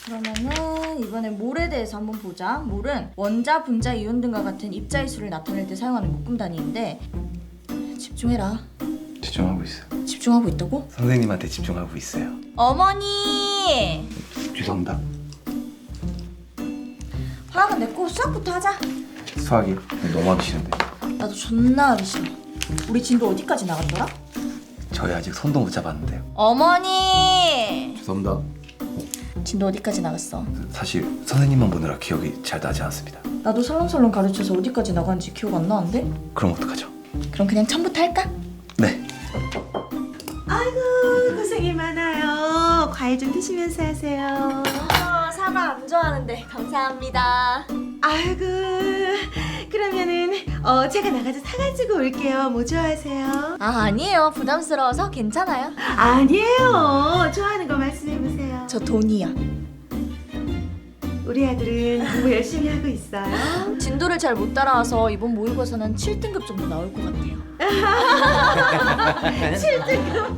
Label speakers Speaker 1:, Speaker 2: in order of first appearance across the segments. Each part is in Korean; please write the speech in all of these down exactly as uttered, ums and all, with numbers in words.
Speaker 1: 그러면은 이번엔 몰에 대해서 한번 보자. 몰은 원자, 분자, 이온 등과 같은 입자일수를 나타낼 때 사용하는 묶음 단위인데 집중해라.
Speaker 2: 집중하고 있어요.
Speaker 1: 집중하고 있다고?
Speaker 2: 선생님한테 집중하고 있어요.
Speaker 1: 어머니!
Speaker 2: 죄송합니다.
Speaker 1: 화학은 냈고 수학부터 하자.
Speaker 2: 수학이 너무 하기 싫은데.
Speaker 1: 나도 존나 하기 싫어. 우리 진도 어디까지 나갔더라?
Speaker 2: 저희 아직 손도 못 잡았는데요.
Speaker 1: 어머니!
Speaker 2: 죄송합니다.
Speaker 1: 진도 어디까지 나갔어?
Speaker 2: 사실 선생님만 보느라 기억이 잘 나지 않습니다.
Speaker 1: 나도 설렁설렁 가르쳐서 어디까지 나간지 기억 안 나는데?
Speaker 2: 그럼 어떡하죠?
Speaker 1: 그럼 그냥 처음부터 할까?
Speaker 2: 네.
Speaker 3: 아이고 고생이 많아요. 과일 좀 드시면서 하세요.
Speaker 1: 어, 사과 안 좋아하는데 감사합니다.
Speaker 3: 아이고 그러면은 어 제가 나가서 사가지고 올게요. 뭐 좋아하세요?
Speaker 1: 아 아니에요. 부담스러워서 괜찮아요.
Speaker 3: 아니에요. 좋아하는 거 말씀해보세요.
Speaker 1: 저 돈이야.
Speaker 3: 우리 아들은 공부 열심히 하고 있어요.
Speaker 1: 진도를 잘 못 따라와서 이번 모의고사는 칠 등급 정도 나올 것 같아요.
Speaker 3: 칠 등급.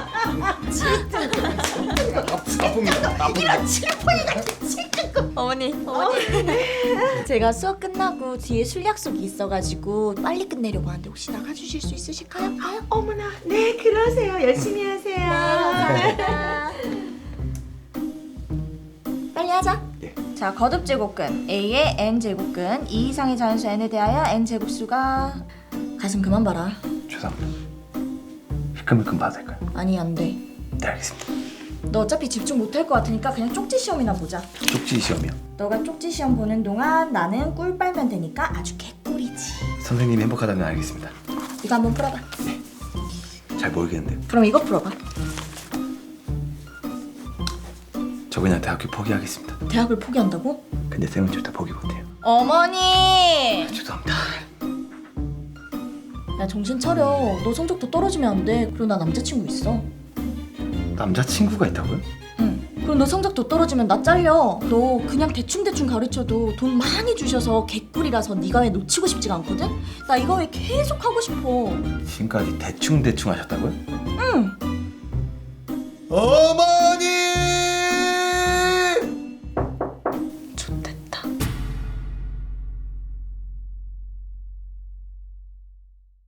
Speaker 2: 나쁩니다. 나쁩니다.
Speaker 3: 이런 칠포이 같은 칠 등급.
Speaker 1: 어머니, 어머니. 제가 수업 끝나고 뒤에 술 약속이 있어가지고 빨리 끝내려고 하는데 혹시 나가주실 수 있으실까요? 가요?
Speaker 3: 어머나 네 그러세요. 열심히 하세요.
Speaker 1: 감사합니다. 빨리 하자.
Speaker 2: 예.
Speaker 1: 자, 거듭 제곱근 A의 n 제곱근 이 이상의 자연수 n에 대하여 n 제곱수가 가슴 그만 봐라.
Speaker 2: 죄송합니다. 힐끔힐끔 봐도 될까요?
Speaker 1: 아니 안 돼.
Speaker 2: 네, 알겠습니다.
Speaker 1: 너 어차피 집중 못할 것 같으니까 그냥 쪽지 시험이나 보자.
Speaker 2: 쪽지 시험이요.
Speaker 1: 너가 쪽지 시험 보는 동안 나는 꿀 빨면 되니까 아주 개꿀이지.
Speaker 2: 선생님이 행복하다면 알겠습니다.
Speaker 1: 이거 한번 풀어봐.
Speaker 2: 잘 모르겠는데요.
Speaker 1: 그럼 이거 풀어봐.
Speaker 2: 저 그냥 대학교 포기하겠습니다.
Speaker 1: 대학을 포기한다고?
Speaker 2: 근데 쌤은 절대 포기 못해요.
Speaker 1: 어머니!
Speaker 2: 죄송합니다.
Speaker 1: 야 정신 차려. 너 성적도 떨어지면 안 돼. 그리고 나 남자친구 있어.
Speaker 2: 남자친구가 있다고요?
Speaker 1: 응. 그럼 너 성적 더 떨어지면 나 잘려. 너 그냥 대충대충 가르쳐도 돈 많이 주셔서 개꿀이라서 네가 왜 놓치고 싶지가 않거든? 나 이거 왜 계속 하고 싶어.
Speaker 2: 지금까지 대충대충 하셨다고요?
Speaker 1: 응.
Speaker 2: 어머!